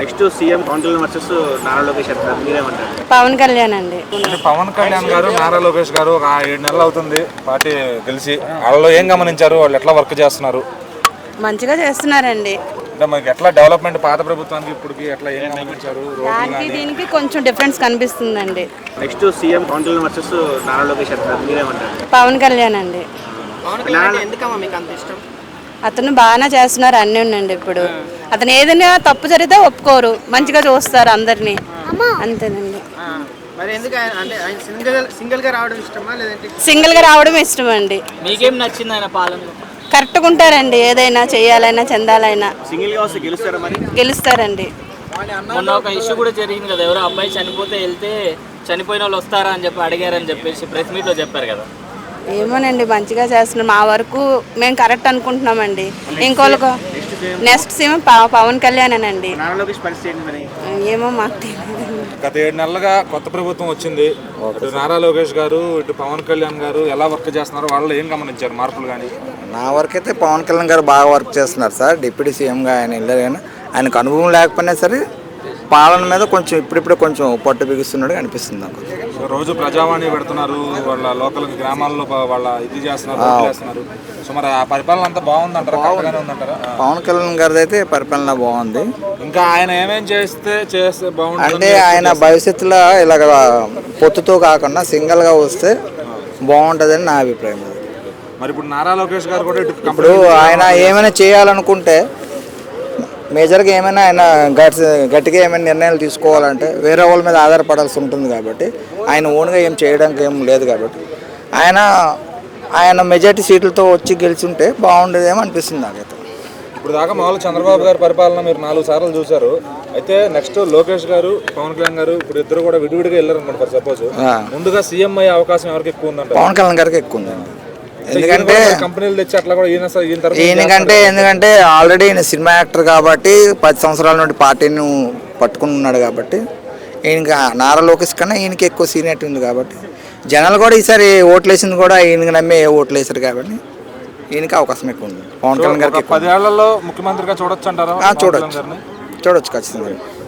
Next CM Pawan Kalyan versus Nara Lokesh అంటారు, మీరేమంటారు? పవన్ కళ్యాణ్ అండి. పవన్ కళ్యాణ్ గారు నారా లోకేష్ గారు ఒక 7 నెలలు అవుతుంది పార్టీ గెలిచి. వాళ్ళలో ఏం గమనించారు? వాళ్ళు ఎట్లా వర్క్ చేస్తున్నారు? మంచిగా చేస్తున్నారండి. అంటే మనకి ఎట్లా డెవలప్మెంట్ పాత ప్రభుత్వానికి ఇప్పటికి ఎట్లా ఏం గమనించారు? దానికి దీనికి కొంచెం డిఫరెన్స్ కనిపిస్తుందండి. Next CM Pawan Kalyan versus Nara Lokesh అంటారు, మీరేమంటారు? పవన్ కళ్యాణ్ అండి. ఎందుకమ్మా మీకు అంత ఇష్టం? అతను బాగానే చేస్తున్నారు అన్నీ ఉండండి. ఇప్పుడు అతను ఏదైనా తప్పు జరిగితే ఒప్పుకోరు, మంచిగా చూస్తారు అందరినీ, అంతేనండి. మరి ఎందుకు అంటే ఆయన సింగిల్ గా రావడం ఇష్టమా లేదంటే సింగిల్ గా రావడం ఇష్టం అండి. మీకేం నచ్చింది ఆయన పాలనలో? కరెక్ట్గా ఉంటారండి, ఏదైనా చెయ్యాలైనా చెందాలైనా సింగిల్ గా వస్తే గెలుస్తారా? మరి గెలుస్తారండి. మొన్న ఒక ఇష్యూ కూడా జరిగింది కదా, ఎవరో అబ్బాయి చనిపోతే వెళ్తే చనిపోయిన వాళ్ళు వస్తారా అని చెప్పి అడిగారని చెప్పేసి ప్రెస్ మీట్ లో చెప్పారు కదా. ఏమోనండి, మంచిగా చేస్తున్నాం. మా వరకు మేము కరెక్ట్ అనుకుంటున్నామండి. ఇంకోళ్ళకు నెక్స్ట్ సీఎం పవన్ కళ్యాణ్ అండి. నారా లోకేష్ పరిస్థితి ఏంటి మరి? ఏమో మాకు తెలియదు. గత 7 నెలలుగా కొత్త ప్రభుత్వం వచ్చింది. ఇటు నారా లోకేష్ గారు, ఇటు పవన్ కళ్యాణ్ గారు ఎలా వర్క్ చేస్తున్నారు? వాళ్ళు ఏం గమనించారు మార్పులు కానీ? నా వరకు అయితే పవన్ కళ్యాణ్ గారు బాగా వర్క్ చేస్తున్నారు సార్. డిప్యూటీ సీఎంగా ఆయన వెళ్ళారు కానీ ఆయనకు అనుభవం లేకపోయినా సరే పాలన మీద కొంచెం ఇప్పుడిప్పుడే కొంచెం పట్టు బిగుస్తున్నాడు అనిపిస్తుంది నాకు. రోజు ప్రజావాణి పెడుతున్నారు, వాళ్ళ లోకల్ గ్రామాల్లో వాళ్ళ ఇది చేస్తున్నారు. సో మరి ఆ పరిపాలన అంతా బాగుందంటారా? కరెక్ట్గానే ఉందంటారా? పవన్ కళ్యాణ్ గారిది అయితే పరిపాలన బాగుంది. ఇంకా ఆయన ఏమేం చేస్తే బాగుంటుంది అంటే ఆయన భవిష్యత్తులో ఇలాగ పొత్తుతో కాకుండా సింగిల్గా వస్తే బాగుంటుందని నా అభిప్రాయం. మరి ఇప్పుడు నారా లోకేష్ గారు కూడా ఇప్పుడు ఆయన ఏమైనా చేయాలనుకుంటే మేజర్గా ఏమైనా ఆయన గట్టిగా ఏమైనా నిర్ణయాలు తీసుకోవాలంటే వేరే వాళ్ళ మీద ఆధారపడాల్సి ఉంటుంది. కాబట్టి ఆయన ఓన్గా ఏం చేయడానికి ఏం లేదు. కాబట్టి ఆయన మెజార్టీ సీట్లతో వచ్చి గెలిచుంటే బాగుండేదేమో అనిపిస్తుంది నాకైతే. ఇప్పుడు దాకా మామూలు చంద్రబాబు గారి పరిపాలన మీరు 4 సార్లు చూశారు. అయితే నెక్స్ట్ లోకేష్ గారు, పవన్ కళ్యాణ్ గారు ఇప్పుడు ఇద్దరు కూడా విడివిడిగా వెళ్ళారు అనుకోండి. ఫర్ సపోజ్ ముందుగా సీఎం అయ్యే అవకాశం ఎవరికి ఎక్కువ ఉందంటే? పవన్ కళ్యాణ్ గారికి ఎక్కువ ఉందండి. ఎందుకంటే కంపెనీలు తెచ్చి అట్లా కూడా ఎందుకంటే ఆల్రెడీ ఈయన సినిమా యాక్టర్ కాబట్టి 10 సంవత్సరాల నుండి పార్టీని పట్టుకుని ఉన్నాడు. కాబట్టి ఈయనకి నారా లోకేష్ కన్నా ఈయనకి ఎక్కువ సీనియారిటీ ఉంది. కాబట్టి జనాలు కూడా ఈసారి ఓట్లు వేసింది కూడా ఈయనకి నమ్మే ఓట్లు వేసారు. కాబట్టి ఈయనకి అవకాశం ఎక్కువ ఉంది. పవన్ కళ్యాణ్ గారికి 10 ఏళ్లలో ముఖ్యమంత్రిగా చూడొచ్చు అంటారా? చూడొచ్చు ఖచ్చితంగా.